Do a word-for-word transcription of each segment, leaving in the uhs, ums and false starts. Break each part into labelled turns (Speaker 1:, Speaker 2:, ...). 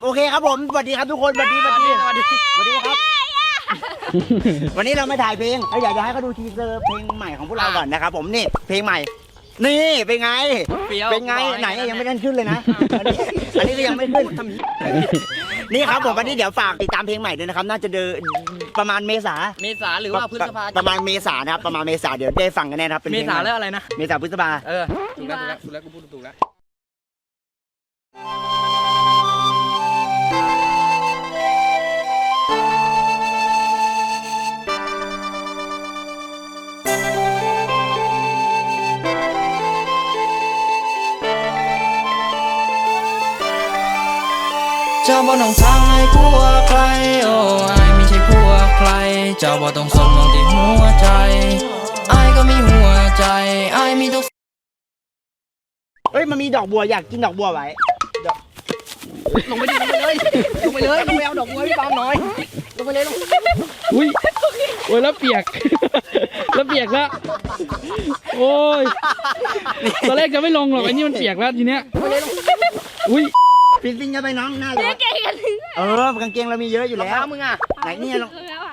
Speaker 1: โอเคครับผมสวัสดีครับทุกคนสวัสดีสวัสดีสวัสดีสวัสดีครับวันนี้เรามาถ่ายเพลงเราอยากจะให้เขาดูทีเซอร์เพลงใหม่ของพวกเราก่อนนะครับผมนี่เพลงใหม่นี่เป็นไงเป็นไงไหนยังไม่ได้ขึ้นเลยนะอันนี้อันนี้ก็ยังไม่ขึ้นนี่ครับผมวันนี้เดี๋ยวฝากติดตามเพลงใหม่ด้วยนะครับน่าจะเดินประมาณเมษา
Speaker 2: เมษาหรือว่าพฤษภา
Speaker 1: ประมาณเมษานะครับประมาณเมษาเดี๋ยวได้ฟังกันแน่ครับเป็น
Speaker 2: เมษาแล้วอะไรนะ
Speaker 1: เมษาพฤษภา
Speaker 2: เออถูกแล้วถูกแล้วถูกแล้วกูพูดถูกแล้วเจ้าบ่ต้องทางให้ผัวใครโอ้ไอไม่ใช่ผัวใครเจ้าบ่ต้องสนมองที่หัวใจไอก็มีหัวใจไอมีทุก
Speaker 1: เฮ้ยมันมีดอกบัวอยากกินดอกบัวไว้
Speaker 2: ลงไปดิลงไปเลยลงไปเลยลงไปเอาดอกบัวพี่ปามหน่อยลงไปเลยลง
Speaker 3: อุ้ยโอ้ยแล้วเปียกแล้วเปียกแล้วโอ้ยตอนแรกจะไม่ลงหรอกไอ้นี่มันเปียกแล้วทีเนี้ยอุ้ย
Speaker 1: ฟินฟินกันไปน้องหน้าเลยเออกางเกงเรามีเยอะอยู่แล้ว
Speaker 2: มึงอ่ะ
Speaker 1: ไหนนี่ลอง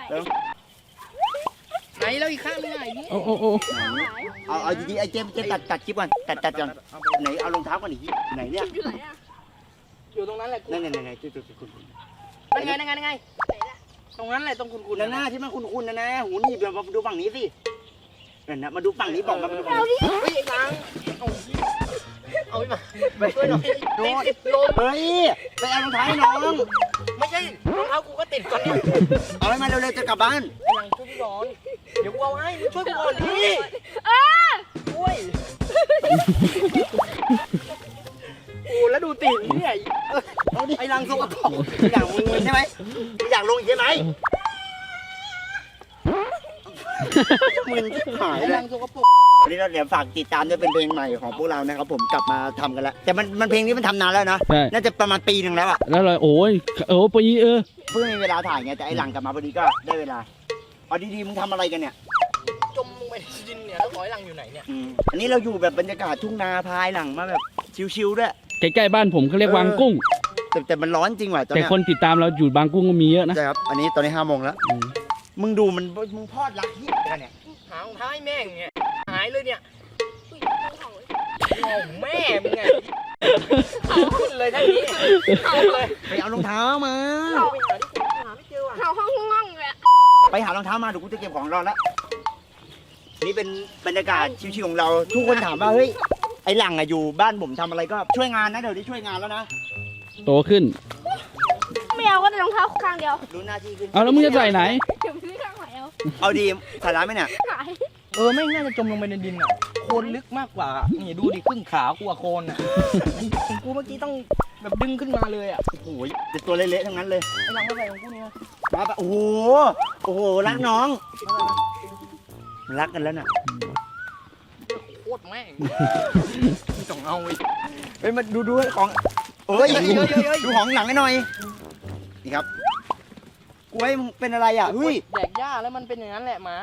Speaker 2: ไหนแล้วอีกข้างนึงไง
Speaker 3: โอ้โอ้โอ้
Speaker 1: เอาเอาดีๆไอ้เจมเจมตัดตัดคลิปก่อนตัดตัดก่อนไหนเอารองเท้าก่อนอีกไหนเนี่ย
Speaker 2: อยู่ตรงนั้นแหละ
Speaker 1: นั่นนั่นนั่นจุดจุดจุดคุณ
Speaker 2: นั่นไงนั่นไงนั่นไงตรงนั้นแหละตรงคุณคุณ
Speaker 1: หน้าที่มันคุณคุณนะนะหูนี่เดี๋ยวมาดูฝั่งนี้สินั่นนะมาดูฝั่งนี้บอกมาดูฝั่งนี้
Speaker 2: เฮ้ยไอ้นางเอาไปมาไปช่วยหน่อย
Speaker 1: โดนเฮ้ยไปเอารองเท้าให้น้อง
Speaker 2: ไม่ใช่รองเท้ากูก็ติดก่อนเนี่ย
Speaker 1: เอาให้มาเร็วๆจะกลับบ้าน
Speaker 2: ไอ้นางช่วยพี่ก่อนเดี๋ยวกูเอาให้ช่วยกูก่อนดิเออช่วยโอ้แล้วดูตีนนี่ไอ้นางสกปรก
Speaker 1: อยากมึงใช่ไหมอยากลงใช่ไหมมึนหายเลยวันนี้เราเดี๋ยวฝากติดตามด้วยเป็นเพลงใหม่ของพวกเรานะครับผมกลับมาทำกันแล้วแต่มันมันเพลงนี้มันทำนานแล้วนะน่าจะประมาณปีหนึ่งแล้วอะ
Speaker 3: แล้วเลยโอ้ยโอ้ปีเออ
Speaker 1: เพิ่งมีเวลาถ่ายไงแต่ไอ้หลังกลับมาพอดีก็ได้เวลาเอาดีๆมึงทำอะไรกันเนี่ย
Speaker 2: จมลงไปในดินเนี่ยแล้วหอยหลังอยู่ไหนเนี่ย
Speaker 1: อันนี้เราอยู่แบบบรรยากาศทุ่งนาพายหลังมาแบบชิวๆด้วย
Speaker 3: ใกล้ๆบ้านผมเขาเรียกวางกุ้ง
Speaker 1: แต่แต่มันร้อนจริงว่ะตอนนี้
Speaker 3: แต่คนติดตามเราอยู่บางกุ้งก็มีเยอะนะ
Speaker 1: ใช่ครับอันนี้ตอนนี้ห้าโมงแล้วมึงดูมันมึงพอดรักที่กันเนี่ย
Speaker 2: หางท้ายแม่งเนี่ยหายเลยเนี่ยแม่มึงไงขึ้นเลยท่านี้เอาเลย
Speaker 1: ไปเอารองเท้ามา
Speaker 2: ไปหาที่หาไม่เจอว่ะ
Speaker 4: เขาห้องห้องเลย
Speaker 1: ไปหารองเท้ามาเดี๋ยวกูจะเก็บของรอแล้วนี่เป็นบรรยากาศชิวๆของเราทุกคนถามว่าเฮ้ยไอ้หลังอะอยู่บ้านผมทำอะไรก็ช่วยงานนะเดี๋ยวนี้ช่วยงานแล้วนะ
Speaker 3: โตขึ้น
Speaker 4: ไม่เอาก็แต่รองเท้าข้างเดียว
Speaker 1: รู้หน้าที่ขึ้น
Speaker 3: เอาแล้วมึงจะใส่ไหน
Speaker 4: เดี๋ยวพี่ข้างไหนเอา
Speaker 1: เอาดีใส่ร้ายไหมเนี่ย
Speaker 2: เออไม่น่าจะจมลงไปในดินอ่ะโคลนลึกมากกว่านี่ดูดิครึ่งขากูอะโคลนอ่ะของกูเมื่อกี้ต้องแบบดึงขึ้นมาเลยอ่ะ
Speaker 1: โอ้โหเป็นตัวเละๆทั้งนั้นเลย
Speaker 2: ไอ้หลังอะไรของกูเนี่ย
Speaker 1: มาปะโอ้โหโอ้โหรักน้องรักกันแล้วน่ะ
Speaker 2: โคตรแม่งต้องเอาไว้
Speaker 1: ไปมาดูดูของเอ้ยดูของหลังให้หน่อยนี่ครับกล้วยมึงเป็นอะไรอ่ะเฮ้ย
Speaker 2: แดกหญ้าแล้วมันเป็นอย่างนั้นแหละหมา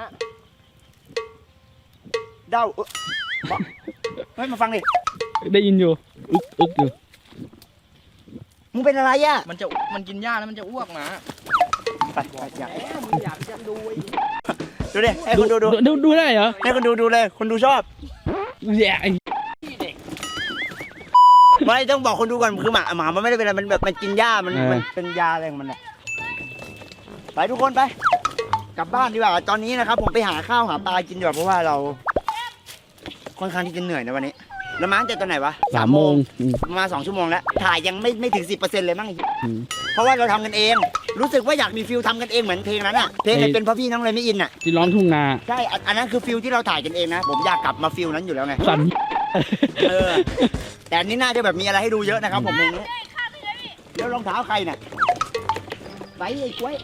Speaker 1: เด้าเฮ้ยมาฟังดิ
Speaker 3: ได้ยินอยู่อึกอึกอยู่
Speaker 1: มึงเป็นอะไรอ่ะ
Speaker 2: มันจะมันกินหญ้าแล้วมันจะอ้วกหมา
Speaker 1: ไปไปอยาก
Speaker 2: มึงอยากจะดู
Speaker 1: ดูดิให้คนดูดู
Speaker 3: ดูดูได้เหรอ
Speaker 1: ให้คนดูดูเลยคนดูชอบ
Speaker 3: แย่
Speaker 1: ไม่ต้องบอกคนดูก่อนคือหมาหมามันไม่ได้เป็นอะไรมันแบบมันกินหญ้ามันมันเป็นยาอะไรของมันเนี่ยไปทุกคนไปกลับบ้านดีกว่าตอนนี้นะครับผมไปหาข้าวหาปลากินดีกว่าเพราะว่าเราค่อนข้างที่จะเหนื่อยในวันนี้แล้วมาตั้งแต่ตอนไหนวะ
Speaker 3: สามโมง
Speaker 1: มาสองชั่วโมงแล้วถ่ายยังไม่ไม่ถึงสิบเปอร์เซ็นต์เลยมั้งเพราะว่าเราทำกันเองรู้สึกว่าอยากมีฟิลทำกันเองเหมือนเพลงนั้นอ่ะเพลงเป็นเพราะพี่น้องเลยไม่อินอ่ะ
Speaker 3: ที่ร้องทุ่งนา
Speaker 1: ใช่อันนั้นคือฟิลที่เราถ่ายกันเองนะผมอยากกลับมาฟิลนั้นอยู่แล้วไง
Speaker 3: สั่น
Speaker 1: เออแต่อันนี้น่าจะแบบมีอะไรให้ดูเยอะนะครับผมเพลงนี้แล้วรองเท้าใครเนี่ยไปไอ้กล้วย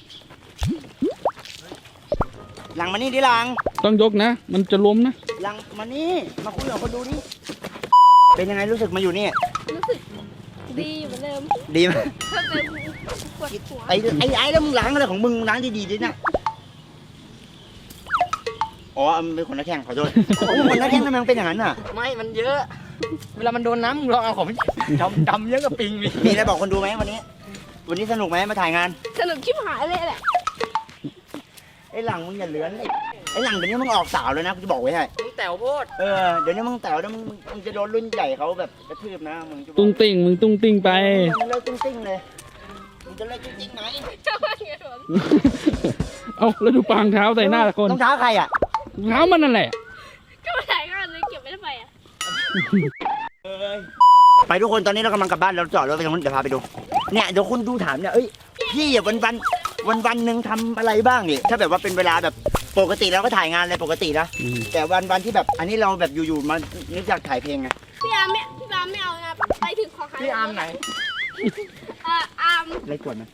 Speaker 1: หลังมานี่ดิหลัง
Speaker 3: ต้องยกนะมันจะล้มนะ
Speaker 1: หลังมานี่มาคุยกับคนดูนี่เป็นยังไงรู้สึกมาอยู่นี่
Speaker 4: รู้สึกดีเหมือนเดิม
Speaker 1: ดีไหมไอ้ไอ้ไอ้แล้วมึงล้างอะไรของมึงล้างดีๆดินะอ๋อมันเป็นคนนักแข่งขอโทษคนนักแข่งทำไมมันเป็นอย่างนั้นอ่ะ
Speaker 2: ไม่มันเยอะเวลามันโดนน้ำมึงลองเอาของดำดำเยอะกับปิง
Speaker 1: มีอะไรบอกคนดูไหมวันนี้วันนี้สนุกไหมมาถ่ายงาน
Speaker 4: สนุกชิบหายเลยแหละ
Speaker 1: ไอ้หลังมึงอย่าเลื้อนไอ้ไอ้หลังเดี๋ยวนี้มึงออกสาวเลยนะกูจะบอกไว้ให้
Speaker 2: มึงแต๋วโพด
Speaker 1: เออเดี๋ยวนี้มึงแต่วแล้วมึงมึงมึงจะโดนรุ่นใหญ่เขาแบบกระทืบนะมึงจะบอก
Speaker 3: ตุ้งติ่งมึงตุ้งติ่งไป
Speaker 1: มึงเลิกตุ้งติ้งเลยมึงจะเลิกตุ้งติ้งไหม
Speaker 4: เจ้าว่าไงผม
Speaker 3: เอาแล้วดูปางเท้าใส่หน้าคน
Speaker 1: รองเท้าใครอ่ะ
Speaker 3: เท้ามันนั่นแหละ
Speaker 4: ก็มาถ่ายงานเลยเก็บไว้ทำไมอ่ะ
Speaker 1: ไปทุกคนตอนนี้เรากำลังกลับบ้านเราจอดรถไปตรงนู้นเดี๋ยวพาไปดูเนี่ยเดี๋ยวคุณดูถามเนี่ยเอ้ยพี่อ่ะวันวันวันวันหนึ่งทำอะไรบ้างนี่ถ้าแบบว่าเป็นเวลาแบบปกติเราก็ถ่ายงานอะไรปกตินะ
Speaker 3: อืม
Speaker 1: แต่วันวันที่แบบอันนี้เราแบบอยู่ๆมานึกอยากถ่ายเพลงไง
Speaker 4: พี่อาร์มไม่พี่อาร์มไม่เอานะไปถึงขอหา
Speaker 2: พี่อาร์มไหน
Speaker 4: เอ่ออาร์ม
Speaker 1: อะไรกวนไหม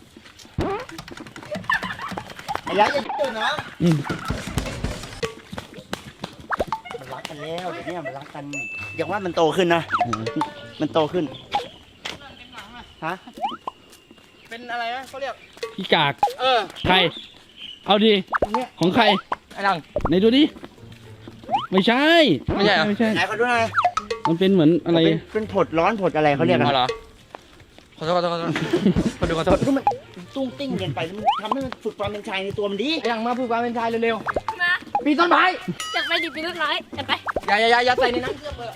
Speaker 1: ไอ้ยักษ์จะตื่นนะ
Speaker 3: อืม
Speaker 1: มันรักกันแล้วเดี๋ยวนี้มันรักกันอย่างว่ามันโตขึ้นนะมันโตขึ้นฮะ
Speaker 2: เป็นอะไรนะเขาเรียก
Speaker 3: พี่กาก
Speaker 2: เออ
Speaker 3: ใคร เอาดี ของใคร
Speaker 2: ไอ้หลัง
Speaker 3: ไหนดูดิ ไม่ใช่
Speaker 2: ไม่ใช่เหรอ
Speaker 3: ไม่ใช่
Speaker 1: ไหนเขาดูหน่อย
Speaker 3: มันเป็นเหมือนอะไร
Speaker 1: เป็นเป็นผดร้อนผดอะไรเขาเรียกกัน
Speaker 2: อ๋อเหรอขอโทษขอโทษขอโทษคนดูขอโทษ
Speaker 1: ก็มันตุ้งติ้งเกินไปแล้วมันทำให้มันฝึกความเป็นชายในตัวมันดี
Speaker 2: ไอ้หลังมาพูดความเป็นชายเร็ว
Speaker 4: มา
Speaker 2: ๆปีนต้นไม้
Speaker 4: อยากไปดิบเป็นต้นไม้อยากไป
Speaker 2: อย่าอย่าอย่าอย่าใส่ในน้ำเชื่อมเลย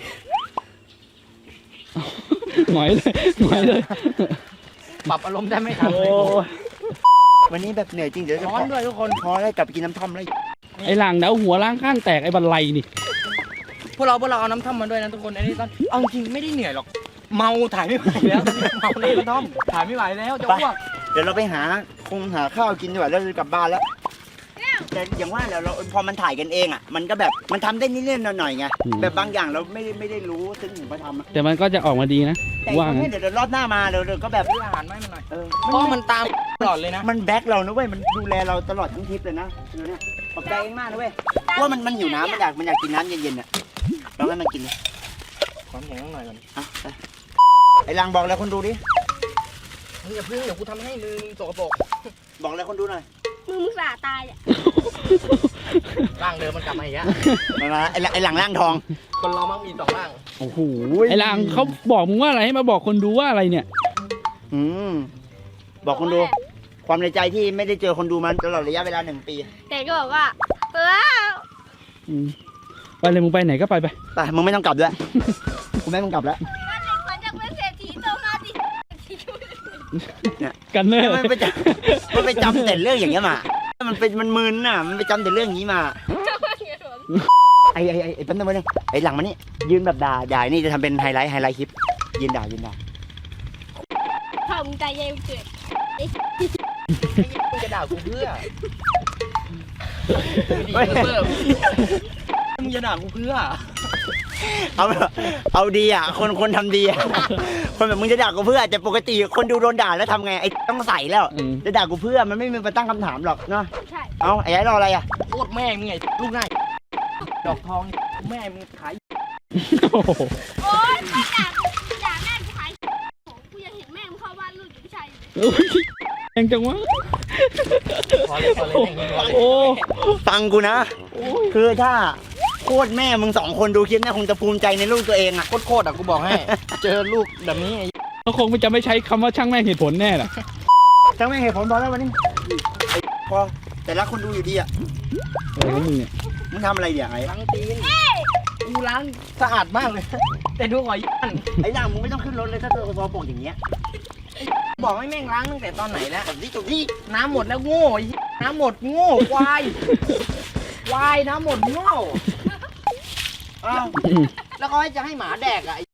Speaker 3: หงอยเลยหงอยเลย
Speaker 2: ปรับอารมณ์ได้ไม่ทัน
Speaker 1: โอ้
Speaker 2: เลย
Speaker 1: วันนี้แบบเหนื่อยจริงเดี๋ยวจะ
Speaker 2: ร้อนด้วยทุกคน
Speaker 1: พอแล้วกลับไปกินน้ำท่อมแล้ว
Speaker 3: ไอ้หลังเดาหัวล้างข้างแตกไอ้บันไลนี่
Speaker 2: พวกเราพวกเราเอาน้ำท่อมมาด้วยนะทุกคนไอ้นี่ตอนเอาจริงไม่ได้เหนื่อยหรอกเมาถ่ายไม่ไหวแล้วเมาในกระท่อมถ่ายไม่ไหวแล้วจะอ้วก
Speaker 1: เดี๋ยวเราไปหาคงหาข้าวกินดีกว่าแล้วจะกลับบ้านแล้วแต่อย่างว่าแล้วเราพอมันถ่ายกันเองอ่ะมันก็แบบมันทำได้นิดๆหน่อยๆไง
Speaker 3: อืม
Speaker 1: แบบบางอย่างเราไม่ได้ไม่ได้รู้ซึ่งถึงมาทำอะ
Speaker 3: แต่มันก็จะออกมาดีนะ
Speaker 1: แต่
Speaker 3: ว่า
Speaker 1: ว่า
Speaker 3: งั้น
Speaker 1: เดี๋ยวเดี๋ยวรอบหน้ามาเดี๋ยวเดี๋ยวก็แบบ
Speaker 2: ซื้ออาหารมาให้มันหน่อย
Speaker 1: เออ
Speaker 2: เพราะมันตามตลอดเลยนะ
Speaker 1: มันแบ็คเรานะเว้ยมันดูแลเราตลอดทั้งทริปเลยนะเออเนี่ยขอบใจเองมากนะเว้ยว่ามันมันหิวน้ำมันอยากมันอยากกินน้ำเย็นๆอ่ะลองให้มันกินดิ
Speaker 2: ความแข็งหน่อยก่อน
Speaker 1: อ่ะไปไอ้ลังบอกอะไรคนดูดิ
Speaker 2: มึงอย่าพึ่งเดี๋ยวกูทำให้มือมึงสกปรก
Speaker 1: บอกอะไรคนดูหน่อย
Speaker 4: มือมึงสาตายอ่ะ
Speaker 2: ร่างเดิมมันกลับมาอีกแล้ว
Speaker 1: มามาไอ้หลังไอ้หลังร่างทอง
Speaker 2: คนเรามักมีสองร่าง
Speaker 1: โอ้โห
Speaker 3: ไอ้หลังเขาบอกมึงว่าอะไรให้มาบอกคนดูว่าอะไรเนี่ย
Speaker 1: อืมบอกคนดู ความในใจที่ไม่ได้เจอคนดูมาตลอดระยะเวลาหนึ่งปี
Speaker 4: แต่ก็บอกว่าเออ
Speaker 3: อืมไปเลยมึงไปไหนก็ไปไป
Speaker 1: ไปมึงไม่ต้องกลับด้วย กูไม่ให้มึงกลับแล้ว
Speaker 4: ว่าเด็กคนจะเป็นเศรษฐีโตมาดิ
Speaker 3: กันเนอร์
Speaker 1: มันไปจำมันไปจำแต่เรื่องอย่างเงี้ยมา มันเป็นมันมึนน่ะ มันไปจำแต่เรื่องอย่างนี้มา
Speaker 4: เจ้าว่าไงผม
Speaker 1: ไอ้ไอ้ไอ้ไอ้แป๊บนึงแป๊บนึงไอ้หลังมานี่ยืนแบบด่าด่านี่จะทำเป็นไฮไลท์ไฮไลท์คลิป ยืนด่ายืนด่า
Speaker 4: พ่อมึงใจเย็นเกิด
Speaker 2: มึงจะด่ากูเพื่อ
Speaker 1: เฮ้ย
Speaker 2: มึงจะด่ากูเพื่อ
Speaker 1: เอาเอาดีอ่ะ คนคนทำดีอ่ะ คนแบบมึงจะด่ากูเพื่อแต่ปกติคนดูโดนด่าแล้วทำไงไอ้ต้องใส่แล้ว
Speaker 3: อืม
Speaker 1: จะด่ากูเพื่อมันไม่มีมาตั้งคำถามหรอกเนาะ
Speaker 4: ใช่
Speaker 1: เอาไอ้ยัยรออะไรอ่ะ
Speaker 2: โคตรแม่มึงไงลูกง่ายดอกทองแม่มึงขาย
Speaker 3: โอ้โห
Speaker 4: โอ๊ยไปด่าด่าแม่กูหายกูยังเห็นแม่มึงเข้าบ้านลูกกับผู้ชายอยู่
Speaker 3: อุ๊ยแรงจังวะ
Speaker 2: พอเลยพอเลย
Speaker 3: โอ้
Speaker 1: ฟังกูนะ คือถ้าโคตรแม่มึงสองคนดูคลิปเนี่ยคงจะภูมิใจในลูกตัวเองอ่ะ
Speaker 2: โคตรโคตรอ่ะกูบอกให้ เจอลูกแบบนี้ไอ้
Speaker 3: เขาคงจะไม่ใช้คำว่าช่างแม่งเหตุผลแน่ล่ะ
Speaker 1: ทั้งแม่งเหตุผลพอแล้ววันนี้ไอ้พอแต่ละคนดูอยู่ดีอ่ะ
Speaker 3: เออแล้วมึงเนี่ย
Speaker 1: มึงทำอะไรเนี่ยไอ้
Speaker 2: ล้างตีนกูล้างสะอาดมากเลย แต่ดูหอยยัน
Speaker 1: ไอ้หลังมึงไม่ต้องขึ้นรถเลยถ้าเธอตัวโปกอย่างเงี้ย
Speaker 2: บอกให้แม่งล้างตั้งแต่ตอนไหนแล้ว
Speaker 1: จบที่จบที่
Speaker 2: น้ำหมดแล้วโง่ไอ้น้ำหมดโง่ควายควายน้ำหมดโง่
Speaker 1: อ้าว
Speaker 2: แล้วเขาให้จะให้หมาแดกอ่ะไอ้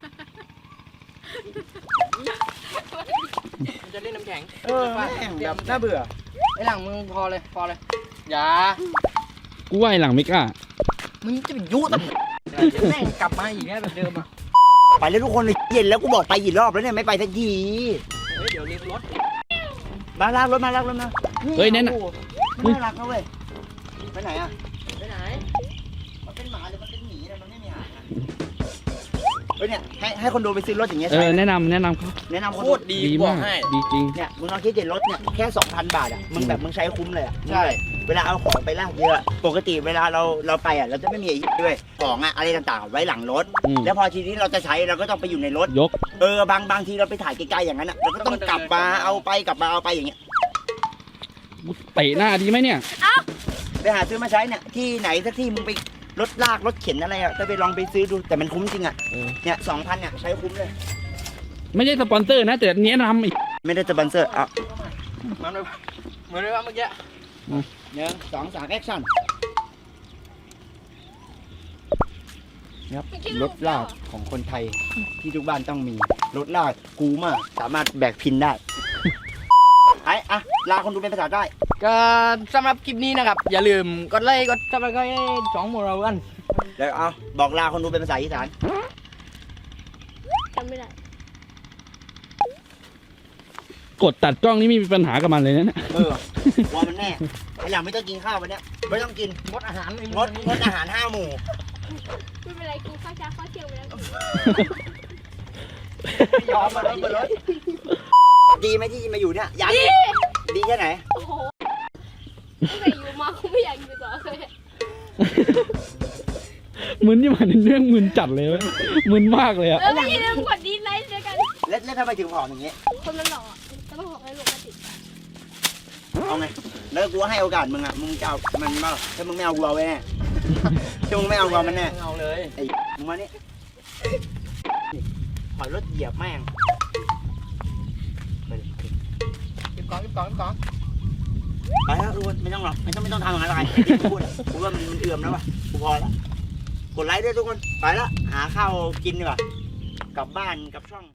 Speaker 2: มันจะเล่นน้ำแข็ง
Speaker 1: เออแม่งแบบน่าเบื่อ
Speaker 2: ไอ้หลังมึงพอเลยพอเลยอย่า
Speaker 3: กูว่าไอ้หลังไม่กล้า
Speaker 2: มึงจะไปยุตั้งแม่งกลับมาอีกแล้วแบบเดิมอ่ะ
Speaker 1: ไปแล้วทุกคนเลยเย็นแล้วกูบอกไปกี่รอบแล้วเนี่ยไม่ไปสักที
Speaker 2: เฮ้ยเดี๋ยวเรียกรถ
Speaker 1: มาลากรถมาลากรถมา
Speaker 3: เฮ้ยนั่นน่ะ
Speaker 1: โอ้โหมันน่ารักนะเว้ยไปไหนอ่ะ
Speaker 2: ไปไหน
Speaker 1: มันเป็นหมาหรือมันเป็นหมีเนี่ยมันไม่มีหางอะเฮ้ยเนี่ยให้ให้คนดูไปซื้อรถอย่างเงี้ย
Speaker 3: เอ
Speaker 1: ใช่
Speaker 3: อ
Speaker 1: ไหม
Speaker 3: แนะนำแนะนำเขา
Speaker 1: แนะนำคน
Speaker 2: โค
Speaker 1: ดู
Speaker 2: ตรดี
Speaker 3: ดี
Speaker 2: บอ
Speaker 3: มาก ก
Speaker 2: ให้
Speaker 3: ดีจริง
Speaker 1: เนี่ยมึงลองคิดเด็ดรถเนี่ยแค่สองพันบาทอ่ะมึงแบบมึงใช้คุ้มเลยอ่ะ
Speaker 2: ใช่
Speaker 1: เวลาเอาของไปลากเยอะ ปกติเวลาเราเราไปอ่ะเราจะไม่มีไอ้ด้วยของอ่ะอะไรต่างๆไว้หลังรถ
Speaker 3: อืม
Speaker 1: แล้วพอทีนี้เราจะใช้เราก็ต้องไปอยู่ในรถ
Speaker 3: ยก
Speaker 1: เออบางบางทีเราไปถ่ายไกลๆอย่างนั้นอ่ะเราก็ต้องกลับมาเอาไปกลับมาเอาไปอย่างเงี้ย
Speaker 3: เตะหน้าดีไหมเนี่ย
Speaker 1: ไปหาซื้อมาใช้เนี่ยที่ไหนสักที่มึงไปรถลากรถเข็นอะไรอ่ะจะไปลองไปซื้อดูแต่มันคุ้มจริงอ่ะ
Speaker 3: เออ
Speaker 1: เนี่ยสองพันเนี่ยใช้คุ้มเลย
Speaker 3: ไม่ใช่สปอนเซอร์นะแต่แนะนำอีก
Speaker 1: ไม่ได้สปอนเซอร์อ่ะ
Speaker 2: มันเลยเหมือนเลยว่าเมื่อกี้
Speaker 1: หนึ่งสองสามแอคชั่นครับรถลากของคนไทยที่ทุกบ้านต้องมีรถลากกูมากสามารถแบกพินได้ ไอ้อะลาคนดูเป็นภาษาได้
Speaker 2: ก็สำหรับคลิปนี้นะครับ อย่าลืมกดไลค์กดซับสไครต์สองหมู่เรากัน
Speaker 1: เดี๋ยวเอาบอกลาคนดูเป็นภาษาอีสาน
Speaker 4: จำไม่ได้
Speaker 3: กดตัดกล้องนี่ไม่มีปัญหากับมันเลยนะเนี่ย
Speaker 1: เออว่ามันแน่ไอ้หลังไม่ต้องกินข้าววันเนี้ยไม่ต้องกิน
Speaker 2: งดอาหารง
Speaker 1: ดงดอาหารห้าหมู่
Speaker 4: ไม่เป็นไรกูข้าวเช้าข้าวเที่ยงไปแล้ว
Speaker 1: ยอมมาเลยเลยดีไหมที่มาอยู่เนี่ยยังดีดีแค่ไหน
Speaker 4: โอ้โหตั้งแต่อยู่มากูไม่อยากอยู่ต่อเลย
Speaker 3: มึนที่มันเรื่องมึนจัดเลยเว้ยมึนมากเลยอะ
Speaker 4: เออไม่ใช่เรื่องกดดีไลค์ด้วยกัน
Speaker 1: แล้วแล้วทำไมถึงผอมอย่างเงี้ย
Speaker 4: คนมันหล่อจะต้องบอกให้หลงมาติด
Speaker 1: เอาไงแล้วกูให้โอกาสมึงอ่ะมึงจะเอามันมาถ้ามึงไม่เอากูเอาไว้แน่ถ้ามึงไม่เอากูเอามันแน่
Speaker 2: เอาเลย
Speaker 1: ไอ้มึงมานี่ถอยรถเหยียบแม่งไปดิ
Speaker 2: เก็บกองเก็บกองเก็บกอง
Speaker 1: ไปแล้วทุกคนไม่ต้องหรอกไม่ต้องไม่ต้องทำอย่างนั้นหรอกไอ้ที่กูพูดอะกูว่ามันมันเอื่อมแล้วว่ะกูพอแล้วกดไลค์ด้วยทุกคนไปแล้วหาข้าวกินดีกว่ากลับบ้านกลับช่อง